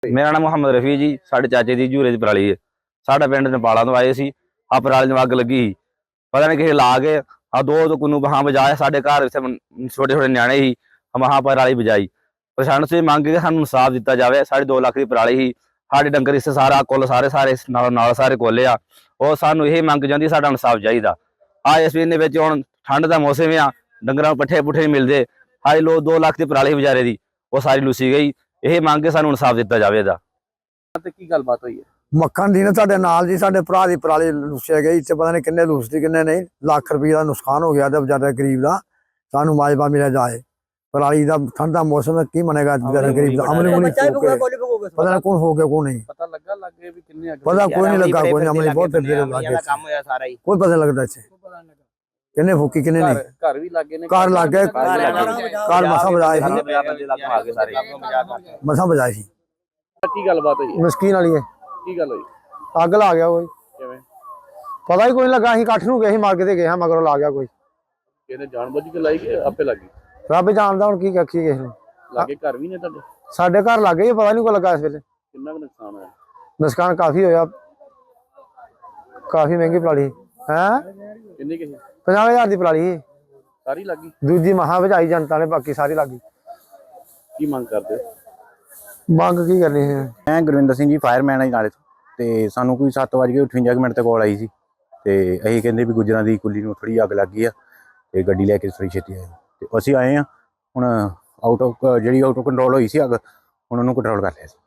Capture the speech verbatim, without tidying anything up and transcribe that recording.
मेरा नाम मुहम्मद रफी जी। साढ़े चाचे की झूरे की पराली है। साढ़ा पिंड नेपाला तो आए सी। आ पराली अग लगी ही, पता नहीं किसी ला के आ दो तो कुनू बहां बजाए। साढ़े घर इतने छोटे छोटे न्याणे ही, हम वहां पराली बजाई। प्रशासन से मंग के सानू इंसाफ दिता जाए। साढ़े दो लाख की पराली ही, साढ़े डंगर इस सारा कुल सारे सारे नाल नाल सारे कोले आ। और सानू यही मंग चाहती, साडा इंसाफ चाहिए। आ इस महीने हुण ठंड का मौसम आ, डंगर पट्ठे पुट्ठे नहीं मिलते। हाई लो दो लाख की पराली बेचारे की वो सारी लुसी गई। यही मंग के सानू इंसाफ दिता जाए। ਕੀ ਗੱਲਬਾਤ ਹੋਈ ਹੈ? ਮੱਖਣ ਦੀ ਨਾ ਸਾਡੇ ਨਾਲ ਜੀ ਸਾਡੇ ਭਰਾ ਦੀ ਪਰਾਲੀ ਲੁੱਸਿਆ ਗਈ ਤੇ ਪਤਾ ਨਹੀਂ ਕਿੰਨੇ ਲੁੱਸਦੀ ਕਿੰਨੇ ਨਹੀਂ। ਲੱਖ ਰੁਪਏ ਦਾ ਨੁਕਸਾਨ ਹੋ ਗਿਆ ਤੇ ਵਿਚਾਰੇ ਗਰੀਬ ਦਾ ਸਾਨੂੰ ਮਾਜਬਾ ਮਿਲਿਆ ਜਾਏ। ਪਰਾਲੀ ਦਾ ਠੰਡ ਦਾ ਮੌਸਮ ਹੈ, ਕੀ ਮੰਨੇਗਾ ਵਿਚਾਰੇ ਗਰੀਬ ਦਾ। ਅਮਲੀ ਮੁਨੀ ਪਤਾ ਨਹੀਂ ਕੌਣ ਹੋ ਗਿਆ ਕੌਣ ਨਹੀਂ ਪਤਾ ਲੱਗਾ ਲੱਗੇ ਵੀ ਕਿੰਨੇ ਅੱਗੇ ਪਤਾ ਕੋਈ ਨਹੀਂ ਲੱਗਾ ਕੋਈ ਨਹੀਂ। ਅਮਲੀ ਬਹੁਤ ਫਿਰਦੇ ਲੱਗੇ ਕੰਮ ਹੋਇਆ ਸਾਰਾ ਹੀ ਕੋਈ ਪਤਾ ਲੱਗਦਾ ਇੱਥੇ ਕਿੰਨੇ ਫੂਕੀ ਕਿੰਨੇ ਨਹੀਂ। ਘਰ ਵੀ ਲੱਗੇ ਨੇ ਘਰ ਲੱਗ ਗਏ ਘਰ ਮਸਾਂ ਬਜਾਏ ਸੀ ਮਸਾਂ ਬਜਾਏ ਸੀ। ਕੀ ਗੱਲਬਾਤ ਹੋਈ ਹੈ? ਮਸਕੀਨ ਵਾਲੀ ਹੈ। ਕੀ ਗੱਲ ਹੋਈ? ਅੱਗ ਲਾ ਗਿਆ ਕੋਈ ਕਿਵੇਂ? ਪਤਾ ਹੀ ਕੋਈ ਨਹੀਂ ਲੱਗਾ। ਅਸੀਂ ਇਕੱਠ ਨੂੰ ਗਏ ਸੀ ਮਾਰਕੇ ਤੇ ਗਏ ਹਾਂ ਮਗਰੋਂ ਲਾ ਗਿਆ ਕੋਈ। ਕਿਹਨੇ ਜਾਣਬੁੱਝ ਕੇ ਲਾਈ ਕਿ ਆਪੇ ਲੱਗੀ? ਰੱਬ ਜਾਣਦਾ ਹੁਣ ਕੀ ਆਖੀਏ ਕਿਸੇ ਨੂੰ। ਲਾਗੇ ਘਰ ਵੀ ਨੇ ਤੁਹਾਡੇ? ਸਾਡੇ ਘਰ ਲੱਗ ਗਏ ਪਤਾ ਨਹੀਂ ਕੋਈ ਲੱਗਾ ਇਸ ਵੇਲੇ। ਕਿੰਨਾ ਕੁ ਨੁਕਸਾਨ ਹੋਇਆ? ਨੁਕਸਾਨ ਕਾਫੀ ਹੋਇਆ, ਕਾਫੀ ਮਹਿੰਗੀ ਪਰਾਲੀ ਹੈ। ਕਿੰਨੀ ਕਿ ਪੰਜਾਹ ਹਜ਼ਾਰ ਦੀ ਪਰਾਲੀ ਸਾਰੀ ਲੱਗੀ? ਦੂਜੀ ਮਹਾ ਵਜਾਈ ਜਨਤਾ ਨੇ, ਬਾਕੀ ਸਾਰੀ ਲੱਗੀ। ਕੀ ਮੰਗ ਕਰਦੇ? ਮੰਗ ਕੀ ਕਰਨੀ ਹੈ? ਮੈਂ ਗੁਰਵਿੰਦਰ ਸਿੰਘ ਜੀ, ਫਾਇਰਮੈਨ ਆ ਜੀ ਨਾਲੇ ਤੋਂ। ਤੇ ਸਾਨੂੰ ਕੋਈ ਸੱਤ ਵੱਜ ਕੇ ਅਠਵੰਜਾ ਮਿੰਟ ਤੇ ਕਾਲ ਆਈ ਸੀ ਤੇ ਅਸੀਂ ਕਹਿੰਦੇ ਵੀ ਗੁੱਜਰਾਂ ਦੀ ਕੁੱਲੀ ਨੂੰ ਥੋੜੀ ਅੱਗ ਲੱਗ ਗਈ ਆ ਤੇ ਗੱਡੀ ਲੈ ਕੇ ਥੋੜੀ ਛੇਤੀ ਆਏ ਤੇ ਅਸੀਂ ਆਏ ਆ। ਹੁਣ ਆਊਟ ਆਫ ਜਿਹੜੀ ਆਊਟ ਆਫ ਕੰਟਰੋਲ ਹੋਈ ਸੀ ਅੱਗ, ਹੁਣ ਉਹਨੂੰ ਕੰਟਰੋਲ ਕਰ ਲਿਆ ਸੀ।